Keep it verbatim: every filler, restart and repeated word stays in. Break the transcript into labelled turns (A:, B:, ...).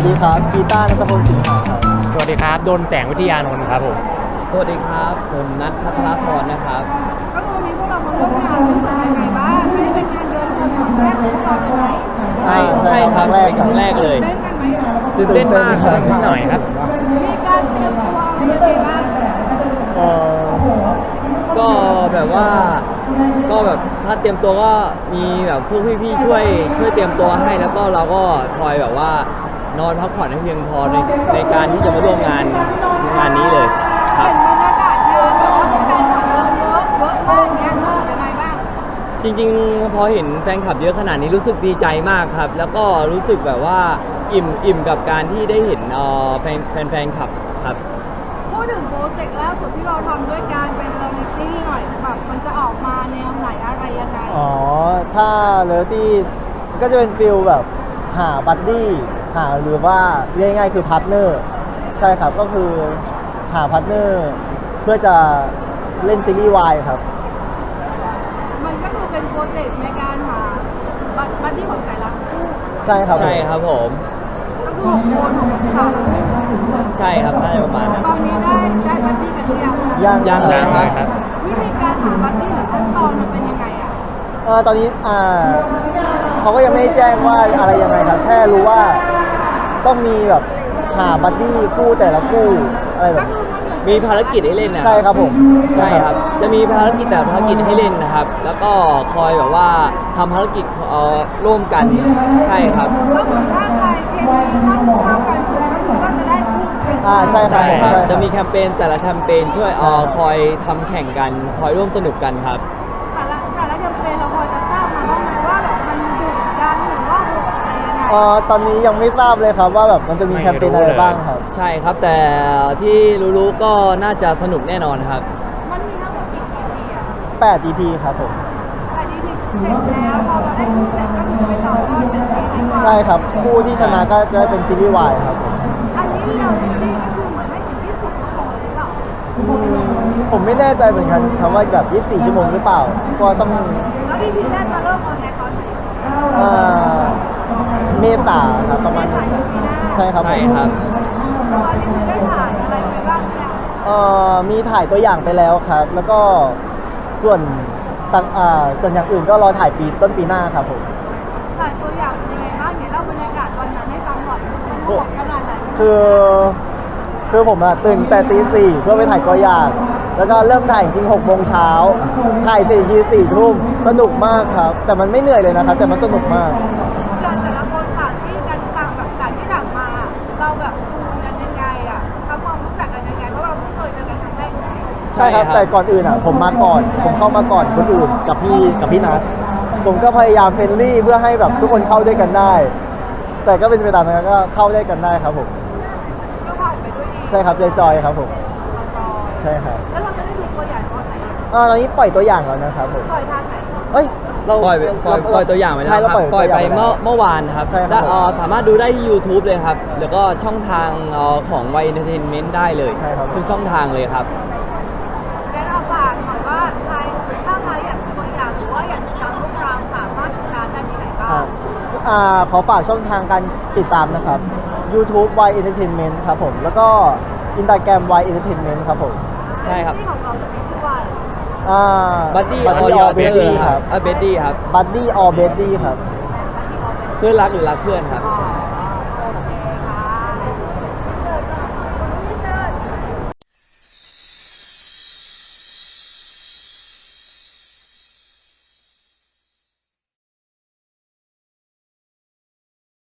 A: ดีครับกีตาร์ณัฐพลสิงหาครับ
B: สวัสดีครับดนแสงวิทยานนท์ครับผม
C: สวัสดีครับผมนัทพัทรพรนะครับ
D: ก็คือวันนี้พวกเรามาร่วมงานรู้สึกยังไงบ้างไม่ได้เป็นงานเดินคนครั้งแรกของพวกเราเลยไหม
C: ใช่ใช่ครับเป็นครั้งแรกเลยตื่นเต้นมากครับ
B: หน่อยครับ
D: มีการเตรียมตัวอะไรยังไงบ้าง
C: เออก็แบบว่าก็แบบถ้าเตรียมตัวก็มีแบบพวกพี่ๆช่วยช่วยเตรียมตัวให้แล้วก็เราก็คอยแบบว่านอนพักผ่อนให้เพียงพอในในการที่จะมาร่วมงานงานนี้เลยครับ
D: เห็นบรรยากาศงานแบบว่าแฟนคลับเยอะเยอะเยอะมากเนี้ยรู้สึกยังไงบ้าง
C: จริงๆพอเห็นแฟนคลับเยอะขนาดนี้รู้สึกดีใจมากครับแล้วก็รู้สึกแบบว่าอิ่มอิ่มกับการที่ได้เห็นเอ่อแฟนแฟนแฟนคลับครับ
D: พูดถึงโปรเจกต์ล่าสุดที่เราทำด้วยการเป็นเรียลลิตี้หน่อยแบบมันจะออกมาแนวไหนอะไรยังไง
A: อ๋อถ้าเรียลลิตี้ก็จะเป็นฟิลแบบหาบัดดี้หาหรือว่าเรียกง่ายๆคือพาร์ทเนอร์ใช่ครับก็คือหาพาร์ทเนอร์เพื่อจะเล่นซีรีส์วายครับ
D: มันก็คือเป็นโปรเจกต์ในการหาบัดดี้ของแต่ละคู่
A: ใช่ครับ
C: ใช่ครับผม
D: ก็คือหกคนหกคนสาม
C: ใช่ครับได้ประมาณนั้น
D: ตอนนี้ได้ได้บัดดี้กันหรือยัง
A: ยัง
C: ยังเลยครับ
D: วิธีการหาบัดดี้หรือขั้นตอนมันเป็นยังไงอ่ะ
A: เออตอนนี้อ่าเขาก็ยังไม่ได้แจ้งว่าอะไรยังไงครับแค่รู้ว่าต้องมีแบบหาบัดดี้คู่แต่ละคู่อะไรแบบ
C: มีภารกิจให้เล่นนะ
A: ใช่ครับผม
C: ใช่ครับจะมีภารกิจแต่ภารกิจให้เล่นนะครับแล้วก็คอยแบบว่าทำภารกิจเอ่อร่วมกันใช่ครับ
D: ก็เหมือนถ้าใครเคมีเข้าเข้ากันถูกก็จะได้คู่
A: อ่าใช่ครับ
C: ใช่ครับจะมีแคมเปญแต่ละแคมเปญช่วยเอ่อคอยทำแข่งกันคอยร่วมสนุกกันครับ
D: แต่ละแต่ละแคมเปญเราพอจะทราบมาบ้างไหมว่าแบบมันดุดันหรือว่าโหดอะไรยังไง
A: อ๋อตอนนี้ยังไม่ทราบเลยครับว่าแบบมันจะมีแคมเปญอะไรบ้างครับ
C: ใช่ครับแต่ที่รู้ๆก็น่าจะสนุกแน่นอนครับ
D: มันมีทั้งหมดกี่ อี พี อ่ะ
A: แปด อี พี ครับผม
D: แต่ อี พี เสร็จแล้วพอเราได้คู่เสร็จก็คือไปต่อยอดเป็นซีรีส์วาย
A: ใช่ครับคู่ที่ชนะก็จะได้เป็นซีรีส์วายครับผม
D: อันนี้เราซีรีส์ก็คือเหมือนให้ถึงที่สุดของหรือเปล่า
A: ผมไม่แน่ใจเหมือนกันคำว่าแบบยี่สิบสี่ชั่วโมงหรือเปล่าก็ต้อง
D: แล้ว อี พี แรกจะเริ่มออนแอร์ตอนไหน
A: อ่าเมษาครับประมาณนี้ใช่ครับ
C: ใช่ครับ
D: ตอนนี้ได้ถ่ายอะไรไปบ้างเนี่ย
A: เอ่อมีถ่ายตัวอย่างไปแล้วครับ แล้วก็ส่วนต่างอ่าส่วนอย่างอื่นก็รอถ่ายปีต้นปีหน้าครับผม
D: ถ่ายตัวอย่างเป็นยังไงบ้างเนี่ยเล่าบรรยากาศวันนั้นให้ฟังหน่อยมันโหดขนาดไหน
A: คือคือผมอะตื่นแต่ตีสี่เพื่อไปถ่ายตัวอย่างแล้วก็เริ่มถ่ายจริงหกโมงเช้าถ่ายสี่ทีสี่ทุ่มสนุกมากครับแต่มันไม่เหนื่อยเลยนะครับแต่มันสนุกมาก
D: การแต่ละคนต่างที่กันต่างแบบต่างที่ต่างมาเราแบบดูกันยังไงอ่ะทำความรู้จักกันยังไงเพราะเราเพิ่งเคยเจอกันครั้งแรก
A: ใช่ครับแต่ก่อนอื่นอ่ะผมมาก่อนผมเข้ามาก่อนคนอื่นกับพี่กับพี่นัทผมก็พยายามเฟรนลี่เพื่อให้แบบทุกคนเข้าด้วยกันได้แต่ก็เป็นไปตามนั้นก็เข้าได้กันได้ครับผม
D: ก็ผ่านไปด้วยดี
A: ใช่ครับจอยๆครับผมใช่ครับ
D: แล้วเราจะได้ดูตัวอย่างตอนไหน
A: อ่าตอนนี้ปล่อยตัวอย่างแล้วนะครับผม
D: ปล่อยทางไหน
A: เฮ้ย
C: เราปล่อยปล่อยปล่อยตัวอย่างไปแล้วครับปล่อยไปเมื่อเมื่อวานครับและสามารถดูได้ที่ YouTube เลยครับแล้วก็ช่องทางของ วาย Entertainment ได้เลยทุกช่องทางเลยครับ
D: แนะนำฝากหน่อยว่าใครถ้าใครอยากดูตัวอย่างหรือว่าอยากติดตามพวกเราสามารถติดตามได้ที่ไหนบ้าง
A: อ่าขอฝากช่องทางการติดตามนะครับ YouTube วาย Entertainment ครับผมแล้วก็ Instagram วาย Entertainment ครับผม
C: ใช่ครับ
D: ที่ของเราจะมีชื่อว่า
A: อ่า
C: Buddy or Betty ครับอ่า Betty ครับ
A: Buddy or Betty ครับ
C: เพื่อนรักหรือรักเพื่อนครับ